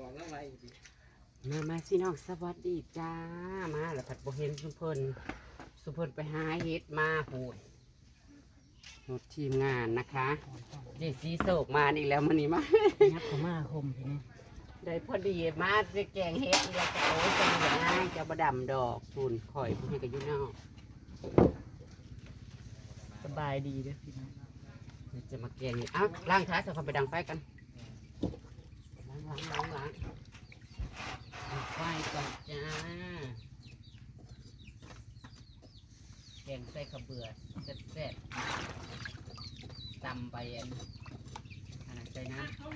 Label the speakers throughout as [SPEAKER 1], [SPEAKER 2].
[SPEAKER 1] มาสิน้องสวัสดีจ้ามาแล้วผัดโบเห็นสุเพิ่นไปหาเฮ็ดมาโหดรถทีมงานนะคะเจสีโศกมาอีกแล้วมันนี่มา
[SPEAKER 2] ยักษ์เขามาคมทีนี้
[SPEAKER 1] ได้พอดีมาจะแกงเฮ็ดอีกแล้วจะโอ้ยจะมีแบบง่ายจะบดำดอกคุณข่อยผู้ให้กับยุ่นอก
[SPEAKER 2] สบายดีเด้อพี่น้อง
[SPEAKER 1] จะมาแกงนี่อ้าวล้างท้ายจะเข้าไปดังไฟกันล้างดังไฟก่อนจ้าแกงใส่ข้าวเบื่อแซ่บๆตำไปอันนั้นใส่น้ำตุ๊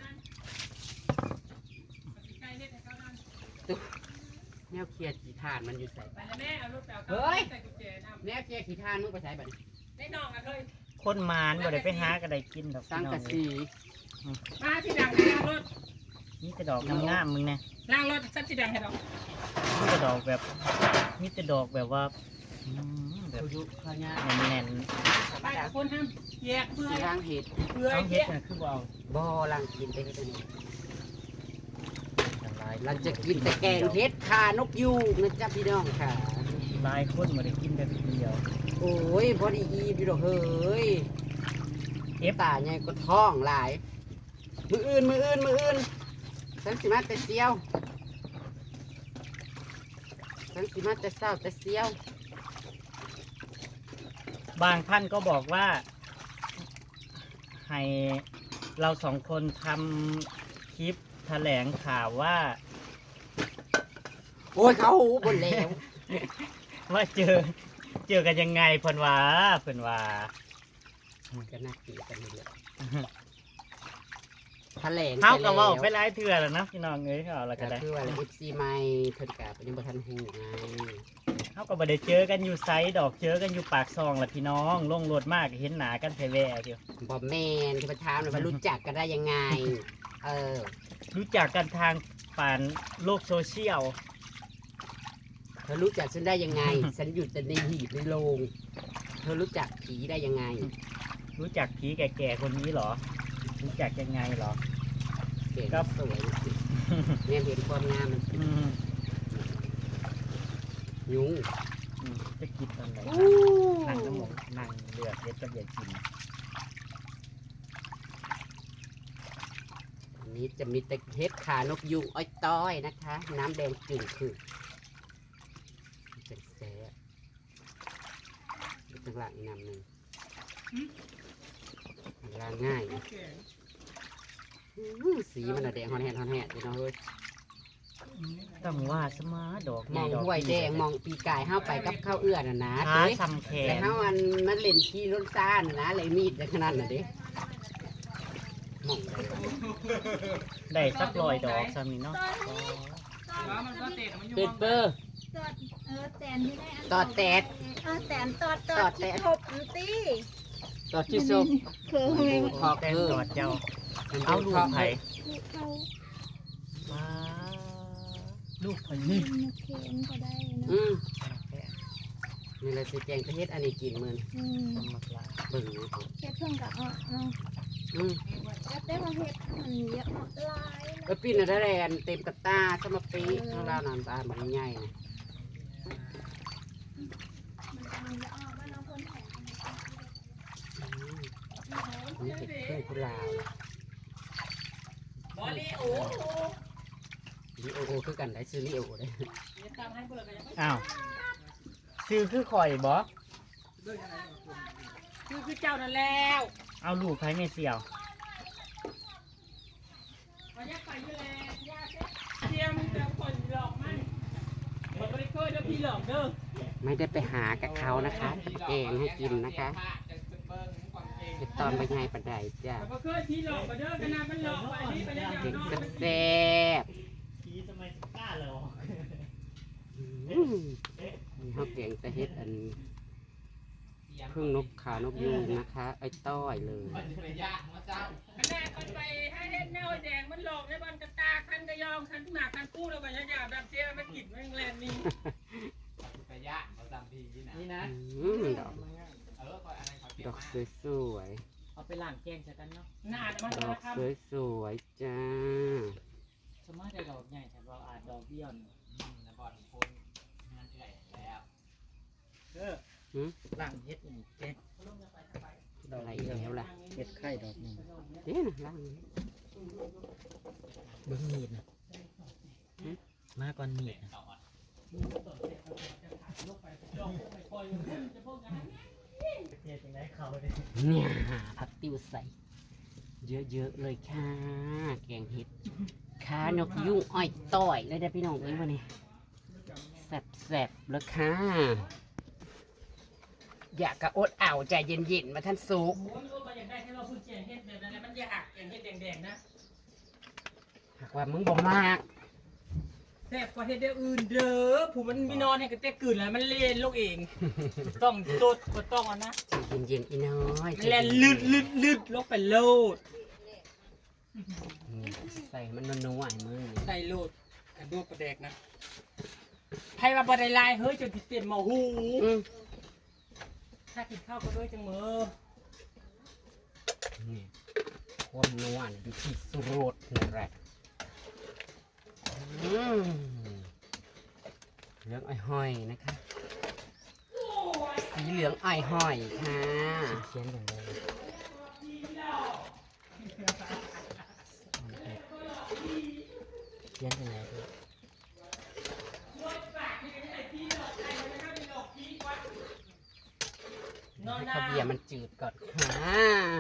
[SPEAKER 1] แนวเคลียร์ขี้ทานมันอยู่ใส่เฮ้ยแนวเคลียร์ขี้ทานมึงไปใส่บัดนี้
[SPEAKER 2] คนมานบ่ได้ไปหาก็ได้กินดอก
[SPEAKER 1] สัง
[SPEAKER 2] พี่น้
[SPEAKER 1] กะ
[SPEAKER 2] อง
[SPEAKER 1] สี
[SPEAKER 3] มาที่ดังล้างรถ
[SPEAKER 2] นี่แต่ดอกงามๆมึงนะ
[SPEAKER 3] ล้างรถชั้นที่ดังให้ดอก
[SPEAKER 2] นี่แต่ดอกแบบนี่แต่ดอกแบบว่าแบบ
[SPEAKER 1] ยุข้าวเหนียว
[SPEAKER 2] แน่น
[SPEAKER 3] ไปกับคนห้ามแยกเพื่อ
[SPEAKER 1] สีร่างเห็ด
[SPEAKER 3] เพื่อ
[SPEAKER 2] ๆต้อง
[SPEAKER 3] แย
[SPEAKER 2] เฮ็ด
[SPEAKER 3] ก
[SPEAKER 2] นะคือบ่เอา
[SPEAKER 1] บ่อลังกินแต่เห็ดอันนี้
[SPEAKER 2] อย่างไร
[SPEAKER 1] เราจะกินแต่แกงเห็ดคานกยูงนะจ๊ะพี่น้องค่ะ
[SPEAKER 2] หลายคนบ่ได้กินแต่เดียว
[SPEAKER 1] โอ้ยพอดีอีพี่ดอกเฮ้ยตาใหญ่ก็ท้องหลาย มืออื่นฉันสิมาแต่เซียวฉันสิมาแต่เศร้าแต่เซียว
[SPEAKER 2] บางท่านก็บอกว่า ให้เราสองคนทำคลิปแถลงข่าวว่า
[SPEAKER 1] โอ้ยเขาหูบนแล้ว
[SPEAKER 2] ว่าเจอกันยังไงเพิ่นว่า
[SPEAKER 1] ก็น่ากินกันเลยแถลง
[SPEAKER 2] เฮา
[SPEAKER 1] ไป
[SPEAKER 2] ก็
[SPEAKER 1] แล้ว
[SPEAKER 2] เว้าไปหลายเทื่อแล้วนะพี่น้องเอ้ยเอาละก็
[SPEAKER 1] ก็
[SPEAKER 2] ได้
[SPEAKER 1] คือว่าเอฟซีใหม่เพิ่นกะเป็นยังบ่ทันหูไง
[SPEAKER 2] เฮาก็บ่ได้เจอกันอยู่ไซดอกเจอกันอยู่ปากซองล่ะพี่น้องลงรถมากเห็นหน้ากันแท้แว่เดียว
[SPEAKER 1] บอแมนที่มาถามเลยว่ารู้จักกันได้ยังไง เออ
[SPEAKER 2] รู้จักกันทางผ่านโลกโซเชียล
[SPEAKER 1] เธอรู้จักฉันได้ยังไง ฉันอยู่แต่ในหีบในโรงเธอรู้จักผีได้ยังไง
[SPEAKER 2] รู้จักผีแก่ๆคนนี้เหรอ รู้จักยังไงเหรอ
[SPEAKER 1] เก่ง
[SPEAKER 2] ครับ
[SPEAKER 1] สวยสิเนี่ยเห็นความงามมัน
[SPEAKER 2] อืม
[SPEAKER 1] ยุง
[SPEAKER 2] จะกินตอนไหนนั่งน้ำหมงนั่งเลือดเด็ดกับเด็ดกิน
[SPEAKER 1] อันนี้จะมีแต่เห็ดขานกยูงอ้อยต้อยนะคะ น้ำแดงจึ่งคือเป็นแซ่บข้างหลังอีกน้ำหนึ่งล้างง่ายนะสีมันอะแดงฮอนแฮนอยู่เนาะเฮ้ย
[SPEAKER 2] ต้องว่าสมาดอก
[SPEAKER 1] มอง
[SPEAKER 2] ดก
[SPEAKER 1] ห้วยแดงมองปีกายห้าไปกับข้าวเอื้อน่ะนะ
[SPEAKER 2] ขา
[SPEAKER 1] เด้
[SPEAKER 2] ทำแข
[SPEAKER 1] แต่
[SPEAKER 2] น
[SPEAKER 1] ห้ามันเล่นขี้รถซ่านน่ะนะเลยมีดในขนาดน่ะเด้มองได้วะ
[SPEAKER 2] ได้สัก100 ดอกซ้ำนี่เนาะ
[SPEAKER 3] ว่ามันก็เตะมันอยู่
[SPEAKER 1] เป็ดเปอร์
[SPEAKER 4] ตอดแตนที่ได้อัน
[SPEAKER 1] ตอดแตด
[SPEAKER 4] แตนตอด
[SPEAKER 1] ตอดแตด
[SPEAKER 4] ที่ทบอันตี้
[SPEAKER 1] ตอดที่ซุป
[SPEAKER 4] คือทำไม
[SPEAKER 1] คอก
[SPEAKER 2] แต่
[SPEAKER 1] เออ
[SPEAKER 2] ดอดเจ้า
[SPEAKER 1] มัน
[SPEAKER 2] เอาลูกไผ่
[SPEAKER 4] เขา
[SPEAKER 2] มาลูกไผ่
[SPEAKER 4] เ
[SPEAKER 2] นี่
[SPEAKER 4] เคนก็ได้เนาะ
[SPEAKER 1] อืมนี่แหละสิแจงประเทศอันนี้กินมื้อนี้
[SPEAKER 2] ธรรมดา
[SPEAKER 1] เบิ่งนะ
[SPEAKER 4] เฮ็ดเพิ่งกับเอา
[SPEAKER 1] อืม
[SPEAKER 4] แล้วแต่ว่าเฮ็ดมันเยอะหลาย
[SPEAKER 1] เออปิ้นน่ะได้แลนเต็มกระตาสมปีข้างล่างน้ำตาลมันใหญ่นะ
[SPEAKER 4] มันจะออกว่าน้องคนแข็ง
[SPEAKER 1] อืมอันนี้เป็นเครื่องกุหลาบบ
[SPEAKER 3] อลลี่โอ้โห
[SPEAKER 1] ลิโอโอคือกันได้ซื้อลิโอได้
[SPEAKER 3] ตามให้เบิร์กันยังไม่
[SPEAKER 2] อ้าวซื้อคือข่อยบ่
[SPEAKER 3] คือเจ้านั่นแล้ว
[SPEAKER 2] เอาลูกไผ่ไม่เสี่ยว
[SPEAKER 3] มันยักไปอยู่แล้วยาเทียมเจ้าคนหลอกมันมันไม่ได้เคยเด้อพี่หลอกเด้อ
[SPEAKER 1] ไม่ได้ไปหากับเขานะคะแกงให้กินนะคะเป็นตอนใบไงปันไดจ้ะ
[SPEAKER 3] มันก็เคยพี่หลอกมาเด้อขนาดมันหลอกไปนี่ไปได้ยัง
[SPEAKER 1] เด็ก
[SPEAKER 3] น้อง
[SPEAKER 1] แซ่บ
[SPEAKER 2] ผีสมัยกล้าเลย
[SPEAKER 1] ๆอืมมีข้าวแกงแต่เฮ็ดอันพึ่งนกขานกยูงนะคะ ไอ้ต้อยเลย
[SPEAKER 3] ขนาดคนไปให้เฮ็ดแนวแดงมันหลอกในบ้านกระตาคันกระยองคันหมากคันกู้แล้วมันยาวๆแบบเสียมันกินแมงแลนนี่
[SPEAKER 2] นี่นะ
[SPEAKER 1] อืมดอกดอกสวย
[SPEAKER 2] เอาไปล้างแกงใส่กันเนาะ
[SPEAKER 3] หน้ามัน
[SPEAKER 1] ๆด
[SPEAKER 3] จะ
[SPEAKER 1] อก
[SPEAKER 3] ทำ
[SPEAKER 1] สวยๆจ้า
[SPEAKER 2] สมัยจะดอกใหญ่แต่เราอาจดอกเบี้ยวนี่แล้วบอลโคนงานใหญ่แล้วล่างเฮ็ดนี่เจ๊ด
[SPEAKER 1] อะไรแล้วล่ะ
[SPEAKER 2] เฮ็ดไข่ดอกนึง
[SPEAKER 1] เด้นะล่างนี้
[SPEAKER 2] เบิ่งมีดนะมาก่อนมีดนะ
[SPEAKER 1] เนี่ยผักติ้วใส่เยอะๆเลยค่ะแกงเห็ดขานกยุงอ้อยต้อยเลยเด้อพี่น้องเอ้ยวันนี้แซ่บๆเลยค่ะอยากกระอดอ่าวใจเย็นๆมาท่านสุก
[SPEAKER 3] โอ้ยโอ้ยมาอยากได้ให้เราพูดเจียงเฮ็ดแบบนั้นแหละมันอยากเจียงเฮ็ดแดงๆนะ
[SPEAKER 1] หากว่ามึงบ่มาก
[SPEAKER 3] แซ่บกว่าเฮ็ดเดียวอื่นเด้อผู้มันมีนอนให้กระเตกกลืนแล้วมันเล่นลูกเอง ต้องสดก็ต้องอ่ะนะ
[SPEAKER 1] ใจเย็นๆอีน้อย
[SPEAKER 3] มันเล่นลึดลงไปโลด
[SPEAKER 1] ใส่มันนัวๆให้มึง
[SPEAKER 3] ใส่โลดกระดูกกระแดกนะไพ่ว่าบ่ได้ลายเฮ้ยจนสิเต็มหม้อหู ถ้ากินข้าวก็ด้วยจังมือ
[SPEAKER 1] นี่ความนัวนี่อยู่ที่สุรสนั่นแหละเหลืองอ้อยห้อยนะคะสีเหลืองอ้อยห้อยค่ะ
[SPEAKER 2] เขียนอย่างไรเขียนอย่างไร
[SPEAKER 1] ให้ข้าวเบียร์มันจืดก่อนค่ะ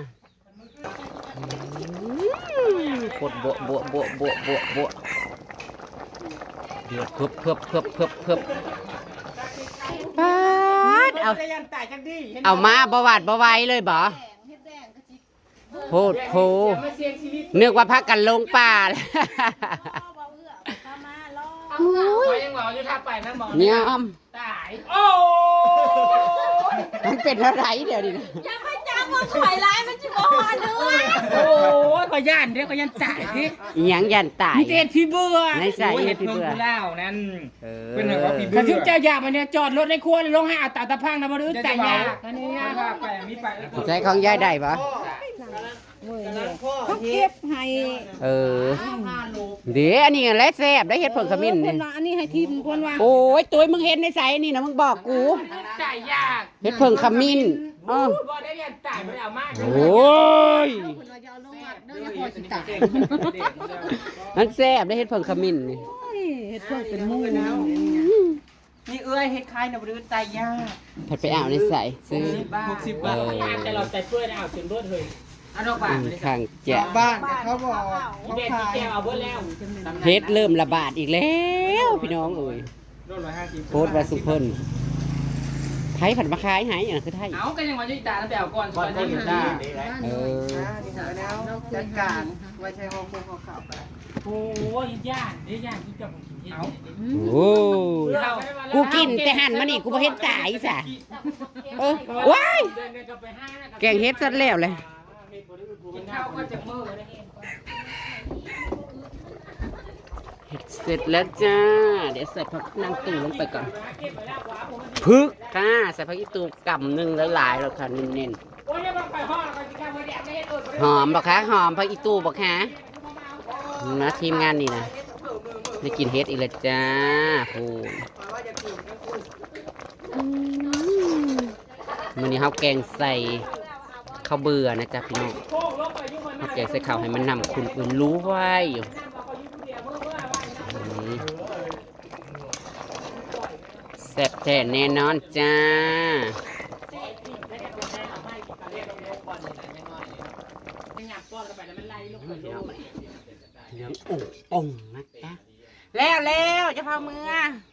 [SPEAKER 1] กดโบะโบะโบะโบะโบะโบะเดือดเพิ่บปาดเอา
[SPEAKER 3] ได้ยันตายจังดี
[SPEAKER 1] เอามาบวาดบวายเลยบ่
[SPEAKER 4] แดงเฮ็ดแดงกะจิ
[SPEAKER 1] โพดโพนึกว่าพักกันลงป่าแล้ว
[SPEAKER 4] พ่อบ่เอื้อเข้ามาล่อ
[SPEAKER 3] ขอยังหมออยู่ท่าไปนะหมอ
[SPEAKER 1] เนี่ย
[SPEAKER 3] ตายโอ้
[SPEAKER 1] มันเป็นอะไรเดี๋ยวนี้นะ
[SPEAKER 4] อย่าไปจับว่าข่อยร้ายมันสิบ่ฮอดเด้อ
[SPEAKER 3] โอ้ยขอย่านเด้อขอย่านตายเด้
[SPEAKER 1] อิหยังยันตาย
[SPEAKER 3] มีเตพี่เบื่อ
[SPEAKER 1] ในสายเฮ็ดพี่เบื่อ
[SPEAKER 3] เล่านั่น
[SPEAKER 1] เออ
[SPEAKER 3] เป็นว่าพี่เบื่อถ้าชุบเจ้าอยากมาเนี่ยจอดรถในครัวเลยลงให้เอาตาตะพังนะบ่ดื้อแต่ยากอันนี้นะไปมีไป
[SPEAKER 1] ใช้ของยายได้ปะ
[SPEAKER 5] เขาเก็บให้
[SPEAKER 1] เออเดี๋ยวอันนี้แหละแซ่บได้เฮ็ดผงขมิ้น
[SPEAKER 5] เพิ่
[SPEAKER 1] นี่
[SPEAKER 5] นว่าอันนี้ให้ทีมเพิ่นว่า
[SPEAKER 1] โอ้ยตัวมึงเห็นในใสนี่นะมึงบอกกู
[SPEAKER 3] จ่ายยาก
[SPEAKER 1] เฮ็ดผงขมิ้นอ้อ
[SPEAKER 3] บ่ได้เรียนจ่ายบ่ได้เอามาก
[SPEAKER 1] โอ้ย
[SPEAKER 5] เพิ่นว่าจะเอาลงวัดเด้ออย่าพอสิตาย
[SPEAKER 1] มันแซ่บได้เฮ็ดผงขมิ้นนี่
[SPEAKER 5] โอ้ยเฮ็ดเพิ่นเป็นหมู่
[SPEAKER 3] นี่เอ้ยเฮ็ดคล้ายนะบ่ดื้อตายยาก
[SPEAKER 1] ผัดไปเอาในใสซื้อ
[SPEAKER 3] 60 บาทแต่เราใจเพื่อนเอาจนเบิดเฮ้ยเอาดอกบาท
[SPEAKER 1] ข้างแจะ
[SPEAKER 5] บ้านเขาบอก
[SPEAKER 3] อีเด็ดอีแก้วเอาเบิดแล้ว
[SPEAKER 1] เฮ็ดเริ่มระบาดอีกแล้วพี่น้องเอ้ย
[SPEAKER 3] โดน150
[SPEAKER 1] โพสต์ว่าสุเพิ่นไทยผัดมาขายหายอย่างคือไทย
[SPEAKER 3] เอาก็ยังว่าอยู่ตาแล้วไปเอาก่อนก่อนจะอยู่ตา
[SPEAKER 1] เออ
[SPEAKER 5] จัดการไว้ใช้ห้องพวกเขาเข้าไป
[SPEAKER 3] โอ้ยย่านเด้ย่านที่จะผมกินเฮ็ด
[SPEAKER 1] โอ้กูกินแต่หั่นมานี่กูบ่เห็นตายซะเออว้ายแกงเฮ็ดซะแล้วเลย
[SPEAKER 3] กินข้าวก็จะมื้อนะ
[SPEAKER 1] เฮ็ดเสร็จแล้วจ้า เดี๋ยวใส่ผักนางตู่ลงไปก่อนพึกค่ะใส่ผักอีตูกำหนึงหลายๆแล้วค่ะเน้น
[SPEAKER 3] โอ้ยยังไปห่อแล้วก็สิกาบ่ได้เฮ็ดเอิ้น
[SPEAKER 1] ๆหอมบ่คะหอมผักอีตูบ่คะนะทีมงานนี่นะได้กินเฮ็ดอีกแล้วจ้าโอ้มื้อนี้เฮาแกงใส่ข้าวเบื่อนะจ๊ะพี่น้อง
[SPEAKER 3] โค้งลงไปอยู่มัน
[SPEAKER 1] เฮาแกงใส่ข้าวให้มันนำคุณอื่นรู้ไว้อยู่แซ่บแท้แน่นอนจ้าเหลืองอุ่งองนะจ๊ะแล้วจะพามือ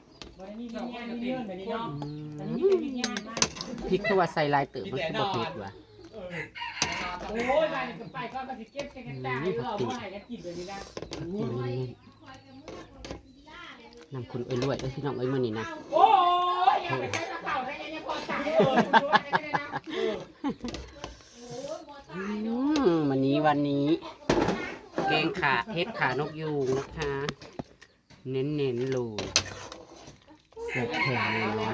[SPEAKER 1] พริกเขาว่าใส่ลายเติบมันคือบ่เผ็ดว่ะ
[SPEAKER 3] โอ้ยไปก็สิเก็บกันตายเราบ่ให้กันกินเลยนี่นะ
[SPEAKER 1] นำคุณเอ้ยรวยเอ้ยพี่น้องเอ้ยมื้อนี้นะ
[SPEAKER 3] โอ้ยอย่าไปใช้กระเป๋าได้ยังพอตาย
[SPEAKER 1] วันนี้แกงขาเฮ็ดขานกยูงนะคะ เน้นๆเลยเสร็จแข็งเลย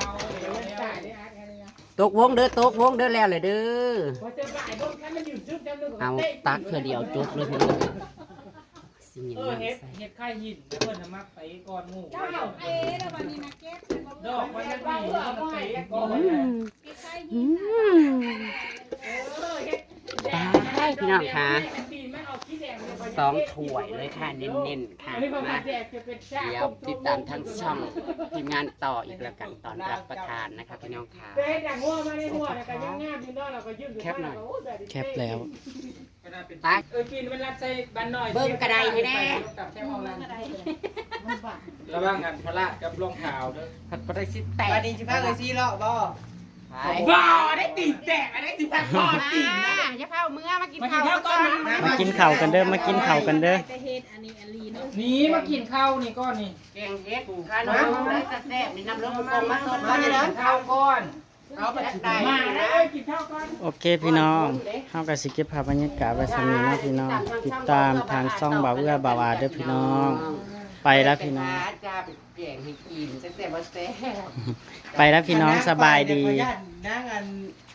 [SPEAKER 1] ตกวงเด้อแล้วเลยเด้อเอาตักเพื่อเดียวจบเลยพี่น้องสิเงียบ
[SPEAKER 3] เฮ็ด
[SPEAKER 1] ใส่
[SPEAKER 3] เฮ็ดไข่หินแล้วเพิ่นน่ะมักไปก่อนหมู่
[SPEAKER 4] เจ้าเอ๊ะแล้ววันนี้นะเก็บ
[SPEAKER 3] ดอกมันจะดีมันไปก่อน
[SPEAKER 4] เก็บไข่
[SPEAKER 1] อื
[SPEAKER 4] หิน
[SPEAKER 1] ม
[SPEAKER 3] เฮ็ด
[SPEAKER 1] ได้พี่น้องคะ
[SPEAKER 3] ปีนมันออกขี้แดงเลย
[SPEAKER 1] 2 ถ้วยเลยค่ะเน้นๆค่ะ
[SPEAKER 3] อันนี้ประมา
[SPEAKER 1] มา
[SPEAKER 3] ณแดกจะเป็นชา
[SPEAKER 1] เดี๋ยวติดตามทั้งช่องทีมงานต่ออีกแล้วกันตอนรับประทานนะคะพี่น้องค่ะ
[SPEAKER 3] เฮ็ดอย่างงัวมาในหัวก็ยังงามอยู่เนาะเราก็ยืนอยู่
[SPEAKER 1] แคปหน่อย
[SPEAKER 2] แคปแล้ว
[SPEAKER 1] ตาย
[SPEAKER 3] ปีนมันรัดใส่บ้านน้อย
[SPEAKER 1] เบิ่งกระไดให้แน่
[SPEAKER 3] กับแค่ห้องนั้น
[SPEAKER 4] อะไร
[SPEAKER 3] ระวังกันพลาดกับรองเท้าเด้อ
[SPEAKER 1] ผัดปลาสิแตก
[SPEAKER 5] วันนี้สิพาเลยสิเลาะบ่
[SPEAKER 3] บ่ได้ตีแตกอันนี้สิพักก่อนตีนะ
[SPEAKER 1] อย่าเผาเมื่อมากิน
[SPEAKER 3] มากิน
[SPEAKER 1] ข้าว
[SPEAKER 3] ข้าวก่อนนะ
[SPEAKER 2] มากินข้าวกันเด้อมากินข้าวกันเด้อ
[SPEAKER 4] แต่เฮ็ดอันนี้อันลีเนาะ
[SPEAKER 3] นี่มากินข้าวนี่ก้อนนี่
[SPEAKER 1] แกงเฮ็ดค่ะน้องได้จะแซ่บมีน้ำร้อนกงมาสด
[SPEAKER 3] มา
[SPEAKER 1] มา
[SPEAKER 3] กิ
[SPEAKER 1] เลย
[SPEAKER 3] น
[SPEAKER 1] นะ
[SPEAKER 3] ข้าวก่อน
[SPEAKER 1] เอาไปได้
[SPEAKER 3] มาเล
[SPEAKER 1] นะ
[SPEAKER 3] ยกินข้าวก่อน
[SPEAKER 2] โอเคพี่น้องเฮาก็สิเก็บภาพบรรยากาศไว้สำนี้นะพี่น้อง ติดตามทางช่องบ่าวเอื้อบ่าวอาเด้อพี่น้อง ไปแล้วพี่น้อง
[SPEAKER 1] จ้าไปแกงให้กินจะแซ่บบ่แซ่บ
[SPEAKER 2] ไปแล้วพี่น้องสบายดี
[SPEAKER 5] ขออนุญาตนั่งอัน